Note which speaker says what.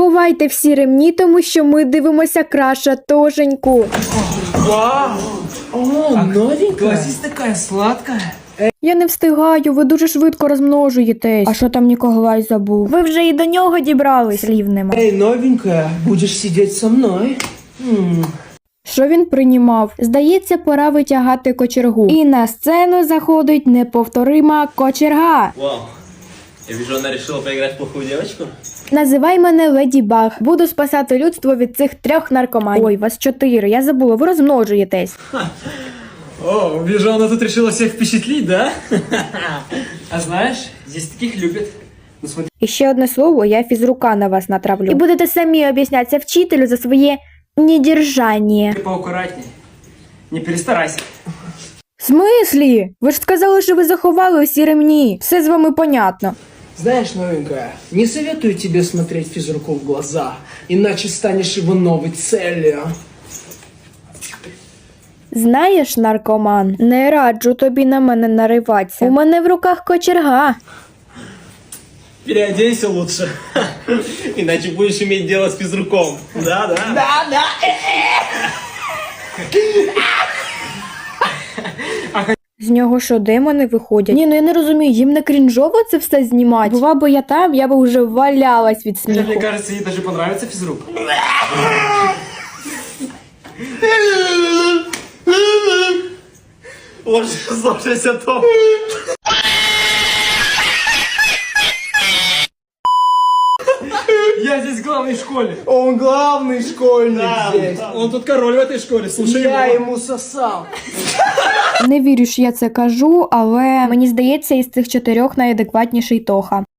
Speaker 1: Ховайте всі ремні, тому що ми дивимося Краша Тошеньку.
Speaker 2: Вау!
Speaker 3: О, новенькая.
Speaker 2: Глазись такая сладкая.
Speaker 1: Я не встигаю, ви дуже швидко розмножуєтесь. А що там Ніколай забув? Ви вже і до нього дібрались. Слів нема.
Speaker 3: Эй, новенькая, будешь сидеть со мной?
Speaker 1: Що він приймав? Здається, пора витягати кочергу. І на сцену заходить неповторима кочерга.
Speaker 4: Вау. Я вижу, она решила поиграть в плохую девочку.
Speaker 1: Називай мене Леді Баг. Буду спасати людство від цих 3 наркоманів. Ой, вас 4, я забула, ви розмножуєтесь.
Speaker 2: О, вижу, она тут решила всех впечатлить, да? А знаешь, здесь таких любят. Ну смотри.
Speaker 1: І ще одне слово, я фізрука на вас натравлю. І будете самі об'яснятися вчителю за своє недержання.
Speaker 2: Ты поаккуратней. Не перестарайся.
Speaker 1: В смислі? Ви ж сказали, що ви заховали усі ремні. Все з вами понятно.
Speaker 3: Знаешь, новенькая, не советую тебе смотреть физруку в глаза, иначе станешь его новой целью.
Speaker 1: Знаєш, наркоман, не раджу тобі на мене нариватися. У мене в руках кочерга.
Speaker 4: Переоденься лучше. Иначе будешь иметь дело с физруком. Да.
Speaker 1: З нього що, демони виходять? Ні, ну я не розумію, їм не крінжово це все знімати? Була би я там, я би вже валялась від
Speaker 2: Мне
Speaker 1: сміху.
Speaker 2: кажется, ей даже понравится физрук.
Speaker 4: Слушайся, Том.
Speaker 2: Я здесь главный в школе.
Speaker 3: Он главный школьник здесь.
Speaker 2: Он тут король в этой школе, слушай
Speaker 3: Я
Speaker 2: его.
Speaker 3: ему сосал.
Speaker 1: Не вірю, що я це кажу, але мені здається, із цих 4 найадекватніший Тоха.